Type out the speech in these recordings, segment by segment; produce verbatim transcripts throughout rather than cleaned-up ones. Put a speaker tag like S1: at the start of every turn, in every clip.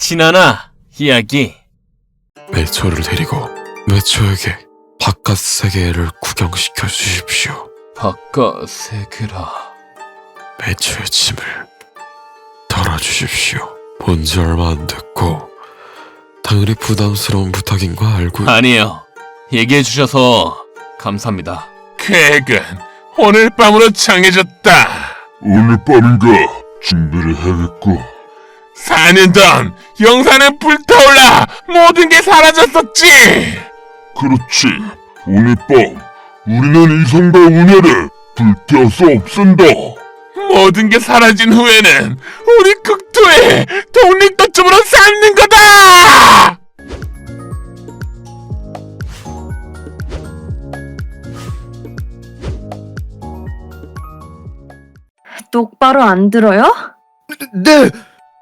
S1: 신하나 이야기.
S2: 매초를 데리고 매초에게 바깥 세계를 구경시켜 주십시오.
S1: 바깥 세계라.
S2: 매초의 짐을 덜어주십시오. 본지 얼마 안 됐고 당연히 부담스러운 부탁인 거 알고.
S1: 아니에요. 얘기해 주셔서 감사합니다.
S3: 계획은 오늘 밤으로 정해졌다. 오늘 밤인가 준비를 해야겠고. 사 년 전 영산은 불타올라 모든 게 사라졌었지. 그렇지. 오늘 밤 우리는 이성과 운해를 불태워서 없앤다. 모든 게 사라진 후에는 우리 국토에 독립도점으로 쌓는 거다.
S4: 똑바로 안 들어요?
S2: 네!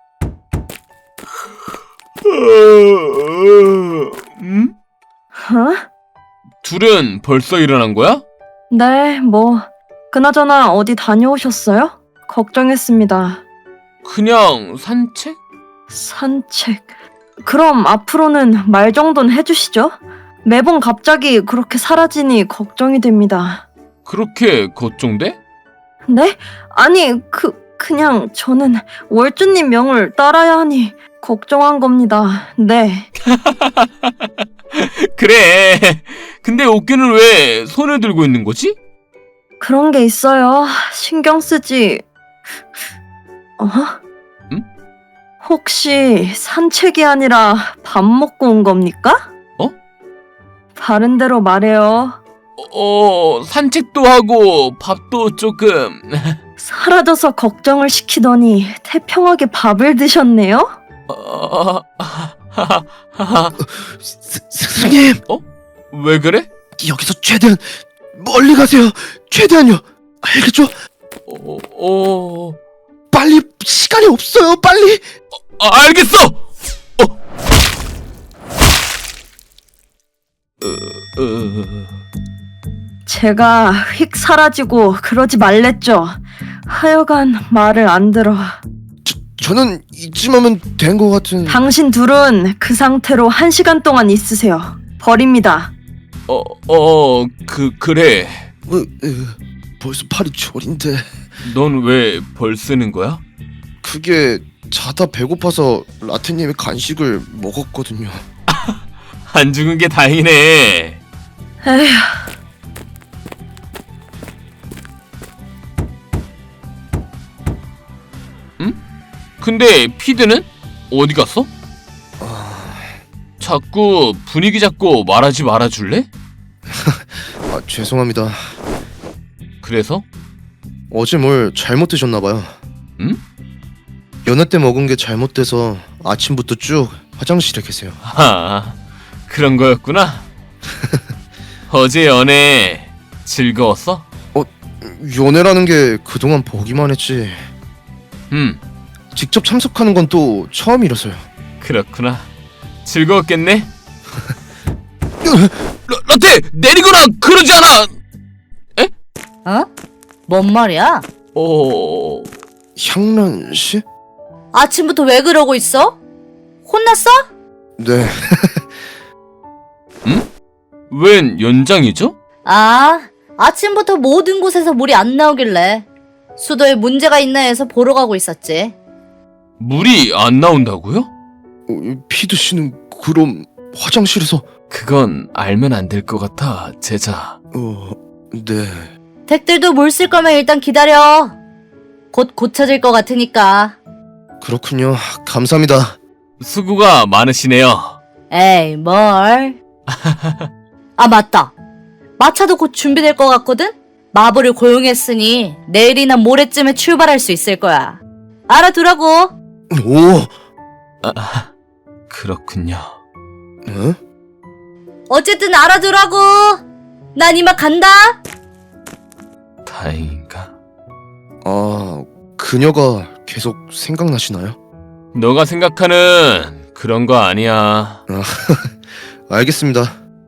S1: 음?
S4: 어?
S1: 둘은 벌써 일어난 거야?
S4: 네, 뭐 그나저나 어디 다녀오셨어요? 걱정했습니다.
S1: 그냥 산책?
S4: 산책. 그럼 앞으로는 말 정도는 해주시죠? 매번 갑자기 그렇게 사라지니 걱정이 됩니다.
S1: 그렇게 걱정돼?
S4: 네? 아니, 그, 그냥 저는 월주님 명을 따라야 하니 걱정한 겁니다. 네.
S1: 그래. 근데 어깨는 왜 손을 들고 있는 거지?
S4: 그런 게 있어요. 신경 쓰지. 어?
S1: 응?
S4: 혹시 산책이 아니라 밥 먹고 온 겁니까?
S1: 어?
S4: 다른 데로 말해요.
S1: 어, 산책도 하고 밥도 조금.
S4: 사라져서 걱정을 시키더니 태평하게 밥을 드셨네요?
S1: 어, 하하하하.
S2: 스, 스님!
S1: 왜 그래?
S2: 여기서 최대한 멀리 가세요. 최대한요. 알겠죠?
S1: 어, 어,
S2: 빨리, 시간이 없어요. 빨리.
S1: 아, 알겠어. 어. 어, 어.
S4: 제가 휙 사라지고 그러지 말랬죠. 하여간 말을 안 들어.
S2: 저는 이쯤하면 된 것 같은.
S4: 당신 둘은 그 상태로 한 시간 동안 있으세요. 버립니다.
S1: 어, 어, 그 그래.
S2: 어, 어, 벌써 팔이 저린데.
S1: 넌 왜 벌 쓰는 거야?
S2: 그게 자다 배고파서 라테님의 간식을 먹었거든요.
S1: 안 죽은 게 다행이네.
S4: 에휴,
S1: 근데 피드는 어디 갔어? 자꾸 분위기 잡고 말하지 말아줄래?
S2: 아, 죄송합니다.
S1: 그래서?
S2: 어제 뭘 잘못 드셨나봐요.
S1: 응?
S2: 연애 때 먹은 게 잘못돼서 아침부터 쭉 화장실에 계세요.
S1: 아, 그런 거였구나. 어제 연애 즐거웠어?
S2: 연애라는 게 그동안 보기만 했지
S1: 음,
S2: 직접 참석하는 건 또 처음이라서요.
S1: 그렇구나. 즐거웠겠네? 라, 라테! 내리거나 그러지 않아!
S5: 어? 뭔 말이야?
S1: 어...
S2: 향란 씨?
S5: 아침부터 왜 그러고 있어? 혼났어?
S2: 네.
S1: 웬 연장이죠?
S5: 아, 아침부터 모든 곳에서 물이 안 나오길래 수도에 문제가 있나 해서 보러 가고 있었지.
S1: 물이 안 나온다고요?
S2: 어, 피드 씨는 그럼 화장실에서?
S1: 그건 알면 안 될 것 같아, 제자.
S2: 어... 네.
S5: 댁들도 물 쓸 거면 일단 기다려. 곧 고쳐질 것 같으니까.
S2: 그렇군요. 감사합니다.
S1: 수고가 많으시네요.
S5: 에이, 뭘. 아, 맞다. 마차도 곧 준비될 것 같거든? 마부를 고용했으니 내일이나 모레쯤에 출발할 수 있을 거야. 알아두라고.
S2: 오!
S1: 아, 그렇군요.
S2: 어?
S5: 어쨌든 알아두라고. 난 이만 간다.
S1: 다행인가?
S2: 아... 그녀가 계속 생각나시나요?
S1: 너가 생각하는 그런 거 아니야.
S2: 알겠습니다.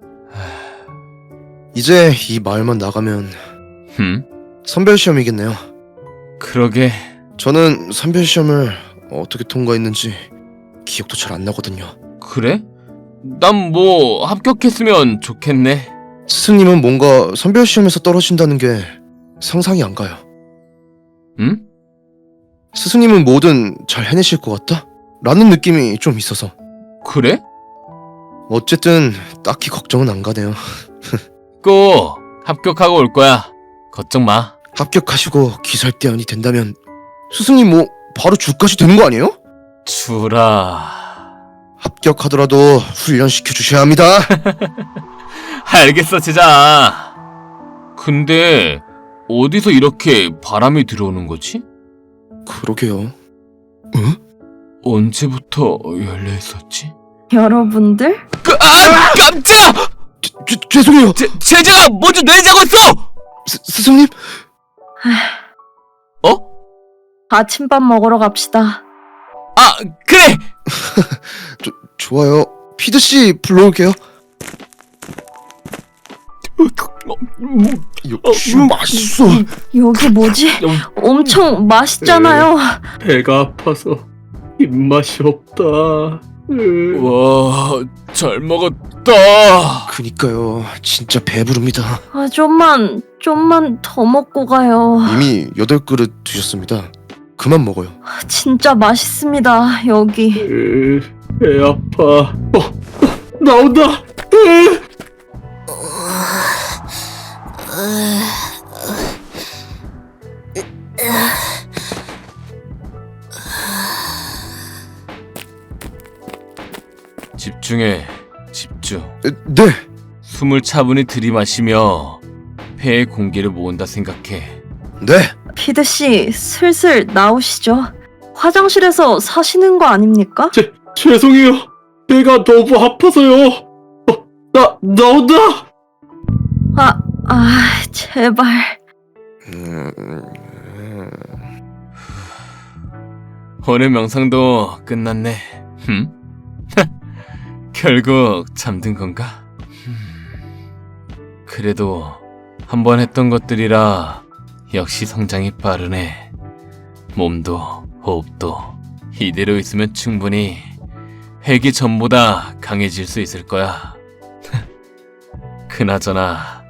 S2: 이제 이 마을만 나가면
S1: 흠?
S2: 선별 시험이겠네요.
S1: 그러게.
S2: 저는 선별 시험을 어떻게 통과했는지
S6: 기억도 잘 안 나거든요.
S1: 그래? 난 뭐 합격했으면 좋겠네.
S6: 스승님은 뭔가 선별 시험에서 떨어진다는 게 상상이 안 가요.
S1: 응?
S6: 스승님은 뭐든 잘 해내실 것 같다? 라는 느낌이 좀 있어서.
S1: 그래?
S6: 어쨌든 딱히 걱정은 안 가네요.
S1: 꼭 합격하고 올 거야. 걱정 마.
S6: 합격하시고 기살대원이 된다면 스승님 뭐 바로 주까지 되는 거 아니에요?
S1: 주라.
S6: 합격하더라도 훈련시켜 주셔야 합니다.
S1: 알겠어, 제자. 근데 어디서 이렇게 바람이 들어오는 거지?
S6: 그러게요.
S1: 언제부터 열려 있었지?
S4: 여러분들?
S1: 그, 아, 깜짝!
S6: 죄, 죄, 죄송해요.
S1: 제, 제자가 먼저 내자고 했어!
S6: 스, 스승님?
S1: 어?
S4: 아침밥 먹으러 갑시다.
S1: 아, 그래!
S6: 조, 좋아요. 피드씨 불러올게요. 역시 맛있어.
S4: 여기 뭐지? 엄청 맛있잖아요.
S7: 배가 아파서 입맛이 없다.
S1: 와, 잘 먹었다.
S6: 그니까요. 진짜 배부릅니다.
S4: 아, 좀만, 좀만 더 먹고 가요.
S6: 이미 여덟 그릇 드셨습니다. 그만 먹어요.
S4: 진짜 맛있습니다, 여기.
S7: 으, 배 아파. 어, 어, 나온다. 으.
S1: 집중해, 집중.
S6: 에, 네.
S1: 숨을 차분히 들이마시며 폐의 공기를 모은다 생각해.
S6: 네.
S4: 피드씨, 슬슬 나오시죠. 화장실에서 사시는 거 아닙니까?
S7: 죄, 죄송해요. 배가 너무 아파서요. 어, 나, 나온다.
S4: 아, 아, 제발.
S6: 음,
S1: 오늘 명상도 끝났네. 흠? 결국 잠든 건가? 흠. 그래도 한번 했던 것들이라 역시 성장이 빠르네. 몸도 호흡도 이대로 있으면 충분히 회기 전보다 강해질 수 있을 거야. 그나저나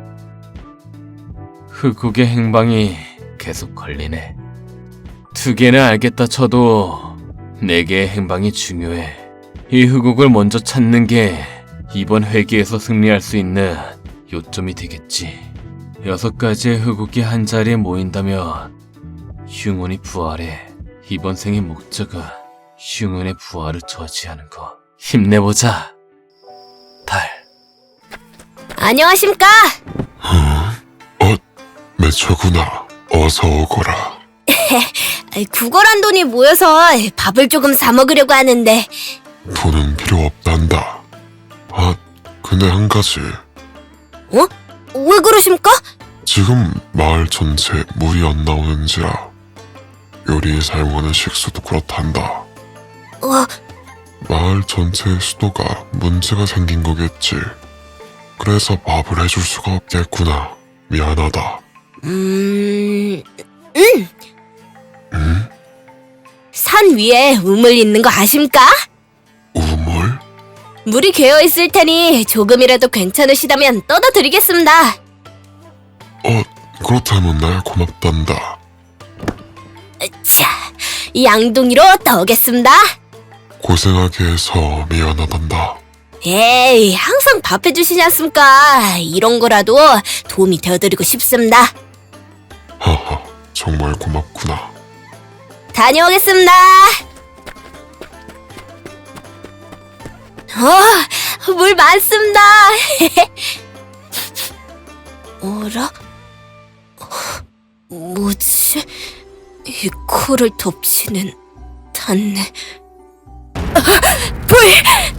S1: 흑국의 행방이 계속 걸리네. 두 개는 알겠다 쳐도 네 개의 행방이 중요해. 이 흑국을 먼저 찾는 게 이번 회기에서 승리할 수 있는 요점이 되겠지. 여섯 가지의 흑국이 한 자리에 모인다면 흉운이 부활해. 이번 생의 목적은 흉운의 부활을 저지하는 거. 힘내보자, 달.
S8: 안녕하십니까?
S2: 어, 매처구나. 어서 오거라.
S8: 구걸한 돈이 모여서 밥을 조금 사 먹으려고 하는데.
S2: 돈은 필요 없단다. 아, 근데 한 가지.
S8: 어? 왜 그러십니까?
S2: 지금 마을 전체 물이 안 나오는지라 요리에 사용하는 식수도 그렇단다.
S8: 어,
S2: 마을 전체의 수도가 문제가 생긴 거겠지. 그래서 밥을 해줄 수가 없겠구나. 미안하다.
S8: 음, 음,
S2: 응?
S8: 산 위에 우물 있는 거 아십니까?
S2: 우물?
S8: 물이 괴어 있을 테니 조금이라도 괜찮으시다면 떠다 드리겠습니다.
S2: 어, 그렇다면 날 고맙단다.
S8: 자, 양동이로 떠오겠습니다.
S2: 고생하게 해서 미안하단다.
S8: 에이, 항상 밥 해주시지 않습니까? 이런 거라도 도움이 되어드리고 싶습니다.
S2: 하하, 정말 고맙구나.
S8: 다녀오겠습니다. 어, 물 많습니다. 어라? 뭐지? 이 코를 덮치는 단내. 아, 불!